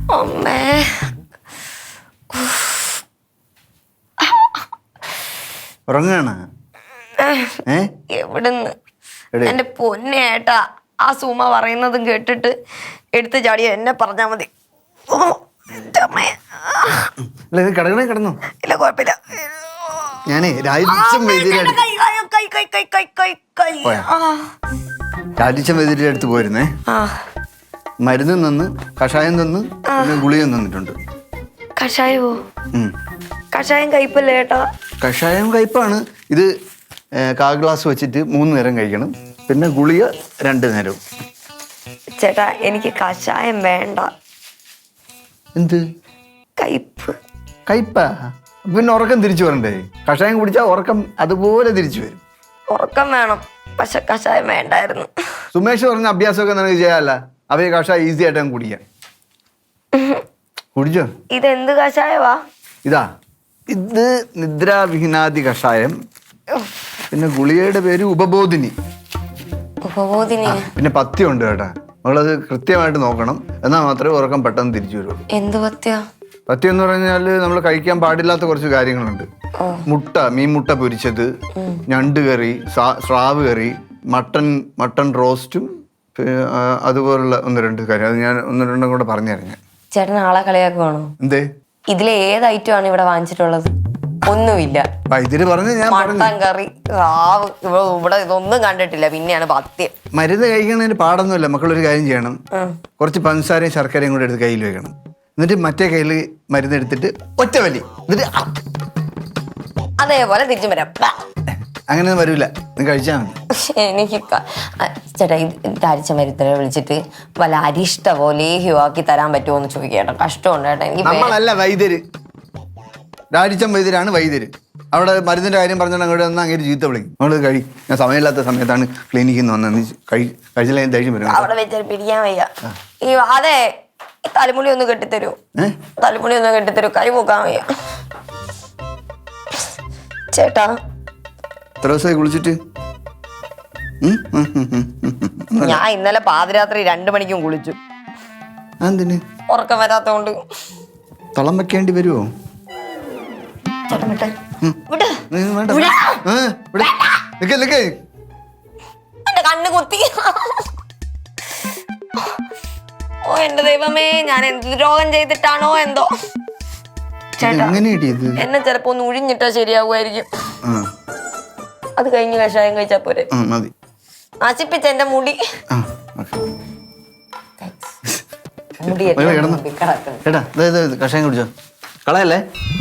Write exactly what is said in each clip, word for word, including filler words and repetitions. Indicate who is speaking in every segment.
Speaker 1: അമ്മേ
Speaker 2: ഉറങ്ങാണ്
Speaker 1: എവിടുന്ന് എന്റെ പൊന്നേട്ടാ ആ സുമ പറയുന്നതും കേട്ടിട്ട് എടുത്ത് ചാടിയ എന്നെ പറഞ്ഞാ മതി.
Speaker 2: കിടക്കണേ കിടന്നു.
Speaker 1: ഇല്ല കുഴപ്പമില്ല.
Speaker 2: ഞാനേ രാജിച്ചൻ വൈദ്യരുടെ അടുത്ത് പോയിരുന്നേ. മരുന്ന് തന്ന് കഷായം തന്ന് ഗുളിയും തന്നിട്ടുണ്ട്.
Speaker 1: കഷായമോ? കഷായം കയ്പല്ലേ ഏട്ടാ?
Speaker 2: കഷായം കയ്പാണ്. ഇത് കാ ഗ്ലാസ് വെച്ചിട്ട് മൂന്ന് നേരം കഴിക്കണം. പിന്നെ ഗുളിക രണ്ട് നേരവും.
Speaker 1: ചേട്ടാ എനിക്ക് കഷായം വേണ്ട.
Speaker 2: എന്ത്
Speaker 1: കയ്പ്?
Speaker 2: കയ്പാ? പിന്നെ ഉറക്കം തിരിച്ചു വരണ്ടേ? കഷായം കുടിച്ചാൽ ഉറക്കം അതുപോലെ തിരിച്ചു വരും.
Speaker 1: ഉറക്കം വേണം, പക്ഷെ കഷായം വേണ്ടായിരുന്നു.
Speaker 2: സുമേഷ് പറഞ്ഞ അഭ്യാസമൊക്കെ നിനക്ക് ചെയ്യാല്ല. അവയെ കഷായം ഈസി ആയിട്ട് കുടിക്കാം. കുടിച്ചോ?
Speaker 1: ഇതെന്ത് കഷായവാ?
Speaker 2: ഇതാ ഇത് നിദ്രാവിഹീനാദി കഷായം. പിന്നെ ഗുളികയുടെ പേര് ഉപബോധിനി.
Speaker 1: ഉപബോധിനി?
Speaker 2: പിന്നെ പഥ്യം ഉണ്ട് കേട്ടാ. നമ്മളത് കൃത്യമായിട്ട് നോക്കണം, എന്നാൽ മാത്രമേ ഉറക്കം പെട്ടെന്ന് തിരിച്ചു വരുള്ളൂ.
Speaker 1: എന്ത് പഥ്യ?
Speaker 2: പഥ്യം എന്ന് പറഞ്ഞാല് നമ്മൾ കഴിക്കാൻ പാടില്ലാത്ത കുറച്ച് കാര്യങ്ങളുണ്ട്. മുട്ട, മീൻ മുട്ട പൊരിച്ചത്, ഞണ്ട് കറി, സ്രാവ് കറി, മട്ടൺ മട്ടൺ റോസ്റ്റും അതുപോലുള്ള ഒന്ന് രണ്ട് കാര്യം. അത് ഞാൻ ഒന്ന് രണ്ടും കൂടെ പറഞ്ഞു തരാം.
Speaker 1: ചേട്ടൻ ആളെ കളിയാക്കുവാണോ?
Speaker 2: എന്തേ?
Speaker 1: ഇതിലെ ഏത് ഐറ്റം ആണ് ഇവിടെ വാങ്ങിച്ചിട്ടുള്ളത്? ഒന്നുമില്ല.
Speaker 2: വൈദ്യര് പറഞ്ഞു ഞാൻ
Speaker 1: മട്ടൻ കറി, സ്രാവ്, ഇവിടെ ഇതൊന്നും കണ്ടിട്ടില്ല. പിന്നെയാണ് പഥ്യം.
Speaker 2: മരുന്ന് കഴിക്കുന്നതിന് പാടൊന്നുമില്ല. മക്കളൊരു കാര്യം ചെയ്യണം, കുറച്ച് പഞ്ചസാരയും ശർക്കരയും കൂടെ എടുത്ത് കയ്യിൽ വെക്കണം. എന്നിട്ട് മറ്റേ കയ്യിൽ മരുന്ന് എടുത്തിട്ട് ഒറ്റ വലി, എന്നിട്ട്
Speaker 1: അതേപോലെ തിരിച്ചും വരാം.
Speaker 2: അങ്ങനെയൊന്നും വരൂല, നീ കഴിച്ചാൽ മതി.
Speaker 1: എനിക്ക് ചേട്ടാ ഇത് അരിച്ച മരുത്തിനെ വിളിച്ചിട്ട് വല്ല അരിഷ്ട പോലെ ആക്കി തരാൻ പറ്റുമോ എന്ന് ചോദിക്കേട്ടോ. കഷ്ടമുണ്ട് കേട്ടോ എനിക്ക്.
Speaker 2: നമ്മളല്ല വൈദ്യര്, രാജിച്ചൻ വൈദ്യരാണ് വൈദ്യര്. അവിടെ മരുന്നിന്റെ കാര്യം പറഞ്ഞാൽ അങ്ങോട്ട് വന്നാൽ അങ്ങനെ ചീത്ത വിളിക്കും. നമ്മൾ കഴി ഞാൻ സമയമില്ലാത്ത സമയത്താണ് ക്ലിനിക്കിൽ നിന്ന് വന്നത്. കഴി കഴിച്ചില്ല ഞാൻ ദേഷ്യം വരും.
Speaker 1: അവിടെ വെച്ചാൽ പിടിക്കാൻ വയ്യ. ഈ അതെ തലമുടി ഒന്ന് കെട്ടിത്തരൂ, തലമുടി ഒന്ന് കെട്ടിത്തരൂ, കൈ പോക്കാൻ വയ്യ ചേട്ടാ.
Speaker 2: എത്ര ദിവസമായി കുളിച്ചിട്ട്?
Speaker 1: ഞാൻ ഇന്നലെ പാതിരാത്രി രണ്ടു മണിക്കും കുളിച്ചു.
Speaker 2: എന്തിന്?
Speaker 1: ഉറക്കം വരാത്തോണ്ട്.
Speaker 2: തളം വെക്കേണ്ടി വരുമോ?
Speaker 1: എന്റെ കണ്ണ് കുത്തി. ഓ എന്റെ ദൈവമേ, ഞാൻ എന്ത് രോഗം ചെയ്തിട്ടാണോ എന്തോ. ചേട്ടാ എന്നെ ചിലപ്പോ ഒന്ന് ഉഴിഞ്ഞിട്ടാ ശരിയാവുമായിരിക്കും. അത് കഴിഞ്ഞ് കഷായം കഴിച്ചാ പോരെ? നശിപ്പിച്ച എന്റെ മുടി.
Speaker 2: കഷായം കുടിച്ചോ, കളയല്ലേ.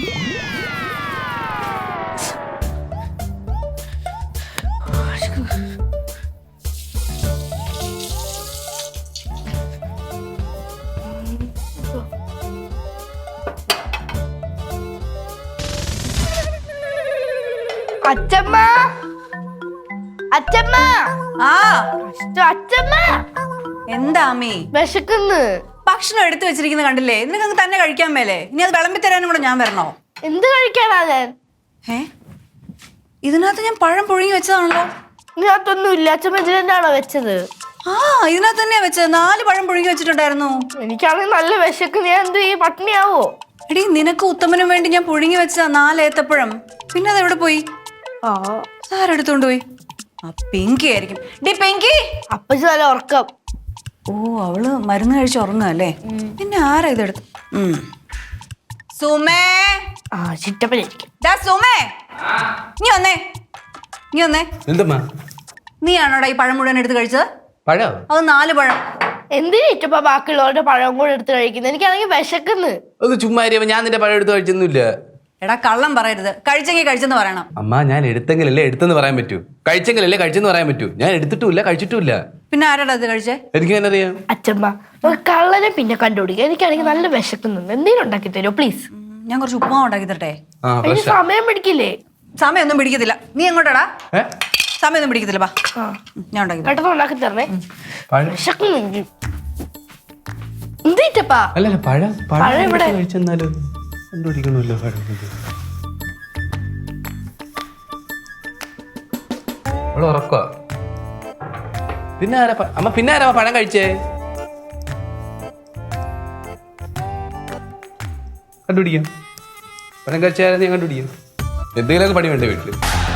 Speaker 3: അച്ചമ്മ, അച്ചമ്മ,
Speaker 4: ആ
Speaker 3: അച്ചമ്മ.
Speaker 4: എന്താ അമ്മേ?
Speaker 3: വിശക്കുന്നു.
Speaker 4: ഭക്ഷണം എടുത്തു വെച്ചിരിക്കുന്ന കണ്ടില്ലേ? നിനക്ക് തന്നെ കഴിക്കാൻ മേലേ? ഇനി അത് വിളമ്പി തരാനും കൂടെ ഞാൻ വരണോ?
Speaker 3: എന്ത് കഴിക്കാനാ ഞാൻ?
Speaker 4: ഏ ഇതിനകത്ത് ഞാൻ പഴം പുഴുങ്ങി വെച്ചതാണല്ലോ.
Speaker 3: ഇതിനകത്തൊന്നും ഇല്ല. അച്ചമ്മ ഇതിനാണോ വെച്ചത്?
Speaker 4: ആ ഇതിനകത്ത് തന്നെയാ വെച്ചത്. നാല് പഴം പുഴുങ്ങി വെച്ചിട്ടുണ്ടായിരുന്നു.
Speaker 3: എനിക്കാണെങ്കിൽ നല്ല വിശക്കുന്നു. ഞാൻ എന്ത് ഈ പട്ടിണിയാവോ?
Speaker 4: എടീ നിനക്ക് ഉത്തമനും വേണ്ടി ഞാൻ പുഴുങ്ങി വെച്ചതാ നാല് ഏത്തപ്പഴം. പിന്നെ അത് എവിടെ പോയി?
Speaker 3: ആ
Speaker 4: ആരെടുത്തോണ്ട് പോയി? ആ പിങ്കി ആയിരിക്കും. ഡി പിങ്കി.
Speaker 3: അപ്പച്ചി നല്ല ഉറക്കം.
Speaker 4: ഓ അവള് മരുന്ന് കഴിച്ച് ഉറങ്ങുകയല്ലേ. പിന്നെ ആരാ ഇതെടുത്ത്? സുമേ.
Speaker 3: ആ ചിറ്റപ്പനായിരിക്കും.
Speaker 4: സുമേ നീ വന്നേ, നീ വന്നേ.
Speaker 5: എന്തമ്മാ?
Speaker 4: നീയാണോടാ ഈ പഴം മുഴുവൻ എടുത്ത് കഴിച്ചത്?
Speaker 5: പഴം?
Speaker 4: അത് നാല് പഴം.
Speaker 3: എന്തിനാ ഇറ്റപ്പ ബാക്കിയുള്ളവരുടെ പഴം കൂടെ എടുത്ത് കഴിക്കുന്നത്? എനിക്കാണെങ്കിൽ വിശക്കുന്നു.
Speaker 5: ഒന്ന് ചുമ്മാ ഞാൻ നിന്റെ പഴം എടുത്ത് കഴിച്ചൊന്നുമില്ല.
Speaker 4: എടാ കള്ളം പറയരുത്. കഴിച്ചെങ്കിൽ കഴിച്ചെന്ന് പറയണം.
Speaker 5: അമ്മ ഞാൻ എടുത്തെങ്കിലല്ലേ എടുത്തെന്ന് പറയാൻ പറ്റൂ, കഴിച്ചെങ്കിലല്ലേ കഴിച്ചെന്ന് പറയാൻ പറ്റൂ. ഞാൻ എടുത്തിട്ടുമില്ല കഴിച്ചിട്ടുമില്ല.
Speaker 4: പിന്നെ ആരാടാ അത് കഴിച്ചേ?
Speaker 5: എനിക്ക് എങ്ങനെ അറിയാം?
Speaker 3: അച്ഛമ്മ കള്ളനെ പിന്നെ കണ്ടുപിടിക്കുക. എനിക്കാണെങ്കിൽ നല്ല വിശക്കുന്നുണ്ട്. എന്തെങ്കിലും ഉണ്ടാക്കി തരുമോ പ്ലീസ്?
Speaker 4: ഞാൻ കുറച്ച് ഉപ്പുമാവ് ഉണ്ടാക്കി തരട്ടെ?
Speaker 3: സമയം പിടിക്കില്ലേ?
Speaker 4: സമയമൊന്നും പിടിക്കത്തില്ല. നീ എങ്ങോട്ടാടാ? സമയമൊന്നും പിടിക്കത്തില്ല. ബാ ഞാൻ ഉണ്ടാക്കി
Speaker 3: പെട്ടെന്ന് ഉണ്ടാക്കി തരണേ. വിശക്കുന്നുണ്ട്. എന്തേറ്റപ്പാ?
Speaker 5: അല്ലല്ല പഴം
Speaker 3: പഴം ഇവിടെ
Speaker 5: കഴിച്ചെന്നാലും കണ്ടുപിടിക്കണമല്ലോ. പഴം ഇവിടെ ഉറക്കുക. പിന്നെ ആരാ അമ്മ? പിന്നെ ആരാ പഴം കഴിച്ചേ? കണ്ടുപിടിക്കാം പഴം കഴിച്ചാൽ ഞാൻ കണ്ടുപിടിക്കാം എന്തെങ്കിലുമൊക്കെ പണി വേണ്ടേ വീട്ടിൽ